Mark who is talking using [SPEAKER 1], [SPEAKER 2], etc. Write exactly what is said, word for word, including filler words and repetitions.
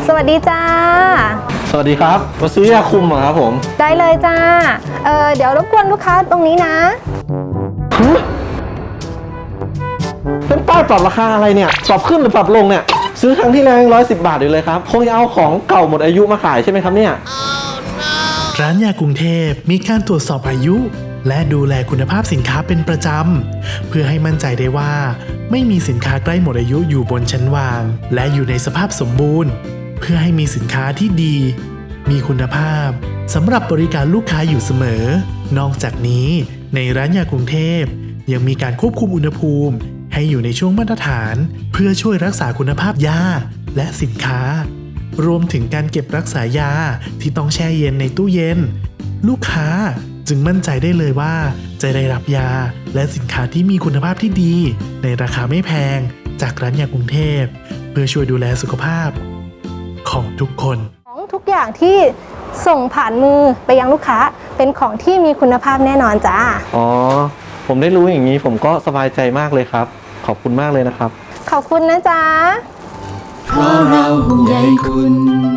[SPEAKER 1] สวัสดีจ้า
[SPEAKER 2] สวัสดีครับมาซื้อยาคุมเหรอครับผม
[SPEAKER 1] ได้เลยจ้าเออเดี๋ยวรบกวนลูกค้าตรงนี้นะ
[SPEAKER 2] เป็นป้ายปรับราคาอะไรเนี่ยปรับขึ้นหรือปรับลงเนี่ยซื้อครั้งที่แล้วร้อยสิบบาทอยู่เลยครับคงจะเอาของเก่าหมดอายุมาขายใช่ไหมครับเนี่ย
[SPEAKER 3] ร้านยากรุงเทพมีการตรวจสอบอายุและดูแลคุณภาพสินค้าเป็นประจำเพื่อให้มั่นใจได้ว่าไม่มีสินค้าใกล้หมดอายุอยู่บนชั้นวางและอยู่ในสภาพสมบูรณ์เพื่อให้มีสินค้าที่ดีมีคุณภาพสำหรับบริการลูกค้าอยู่เสมอนอกจากนี้ในร้านยากรุงเทพยังมีการควบคุมอุณหภูมิให้อยู่ในช่วงมาตรฐานเพื่อช่วยรักษาคุณภาพยาและสินค้ารวมถึงการเก็บรักษายาที่ต้องแช่เย็นในตู้เย็นลูกค้าจึงมั่นใจได้เลยว่าจะได้รับยาและสินค้าที่มีคุณภาพที่ดีในราคาไม่แพงจากร้านยากรุงเทพเพื่อช่วยดูแลสุขภาพของทุกคน
[SPEAKER 1] ของทุกอย่างที่ส่งผ่านมือไปยังลูกค้าเป็นของที่มีคุณภาพแน่นอนจ้า
[SPEAKER 2] อ๋อผมได้รู้อย่างนี้ผมก็สบายใจมากเลยครับขอบคุณมากเลยนะครับ
[SPEAKER 1] ขอบคุณนะจ๊ะ
[SPEAKER 4] เพราะเราห่วงใยคุณ